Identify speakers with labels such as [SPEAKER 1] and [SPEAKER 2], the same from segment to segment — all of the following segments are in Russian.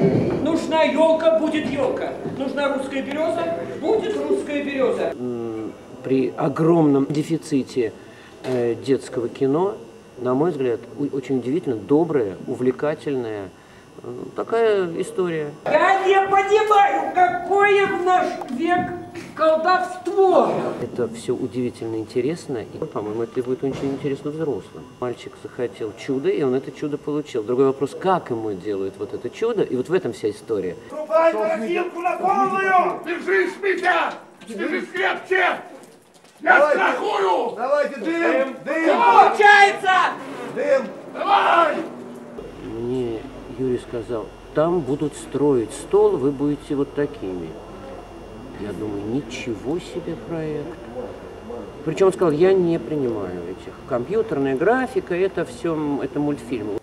[SPEAKER 1] Нужна елка, будет елка. Нужна русская береза, будет русская береза.
[SPEAKER 2] При огромном дефиците детского кино, на мой взгляд, очень удивительно добрая, увлекательная такая история.
[SPEAKER 1] Я не понимаю, какое в наш век колдовство.
[SPEAKER 2] Это все удивительно интересно, и, по-моему, это будет очень интересно взрослым. Мальчик захотел чудо, и он это чудо получил. Другой вопрос, как ему делают вот это чудо, и вот в этом вся история.
[SPEAKER 3] Трубай корзинку на полную! Держись, Митя! Держись крепче! Я страхую!
[SPEAKER 4] Давайте дым! Дым!
[SPEAKER 1] Получается!
[SPEAKER 4] Дым!
[SPEAKER 3] Давай!
[SPEAKER 2] Мне Юрий сказал, там будут строить стол, вы будете вот такими. Я думаю, ничего себе проект. Причем он сказал, я не принимаю этих. Компьютерная графика, это все, это мультфильмы.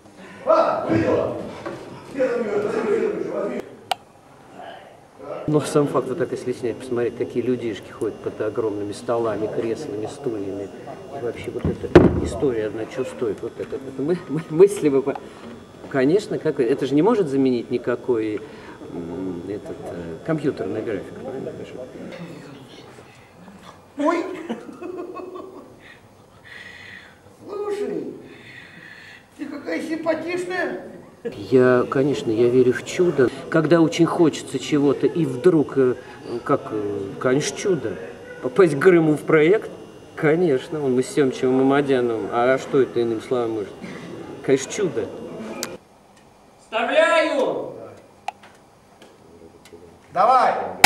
[SPEAKER 2] Но сам факт, вот так если снять, посмотреть, какие людишки ходят под огромными столами, креслами, стульями. И вообще вот эта история одна, что стоит. Вот это мысли бы... Конечно, это же не может заменить никакой компьютерная графика.
[SPEAKER 1] Ой! Слушай, ты какая симпатичная.
[SPEAKER 2] Конечно, я верю в чудо. Когда очень хочется чего-то, и вдруг, конечно, чудо. Попасть к Грыму в проект, конечно, мы с Семчевым и Мамадяновым. А что это иным словом может? Конечно, чудо.
[SPEAKER 1] Вставляю!
[SPEAKER 4] Давай!